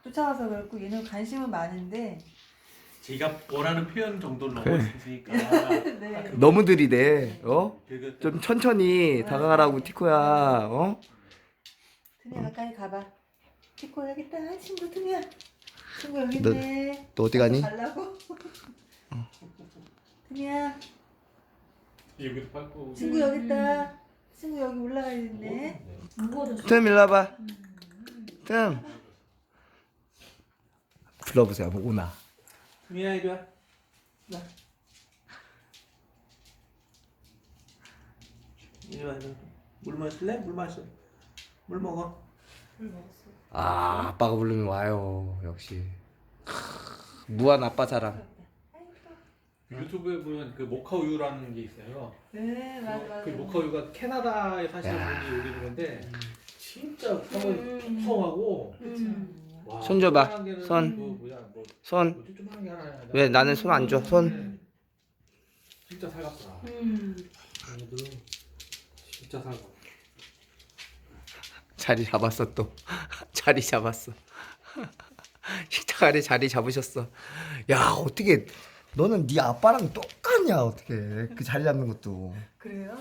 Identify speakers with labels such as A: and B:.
A: 쫓아와서 그렇고 얘는 관심은 많은데
B: 제가 원하는 표현 정도를
C: 그래.
B: 넘어섰으니까.
A: 네.
C: 너무 들이대. 어?
B: 그거
C: 좀 천천히 다가가라고 티코야. 어?
A: 틈이야 가까이 가봐. 티코 여기 있다. 친구 틈이야. 친구 여기
C: 너-
A: 있네.
C: 너 어디 가니?
A: 가려고. 틈이야.
B: 여기도 밟고.
A: 친구 여기 있다. 친구 여기 올라가 있네.
D: 무거워졌어.
C: 틈 일로 와봐. 틈. 불러보세요. 뭐 오나.
B: 미야 이리 와. 나. 이리 와 이리 와. 물 마실래? 물 마셔. 물 먹어.
C: 아 아빠가 부르면 와요. 역시. 무한 아빠 사랑.
B: 유튜브에 보면 그 모카 우유라는 게 있어요.
A: 네 맞아.
B: 그 모카 우유가 캐나다에 사시는
C: 야.
B: 분이 올리는 건데 진짜 풍성하고. 와,
C: 손 줘봐.
B: 조그만한 게는
C: 손.
B: 그 뭐야 뭐
C: 손.
B: 뭐지 조그만한 게 하나.
C: 왜 나는 손 안 줘? 손.
B: 진짜 살갑더라. 얘네들 진짜 살갑.
C: 자리 잡았어 또. 자리 잡았어. 식탁 아래 자리 잡으셨어. 야 어떻게 너는 네 아빠랑 똑같냐 어떻게 그 자리 잡는 것도.
A: 그래요?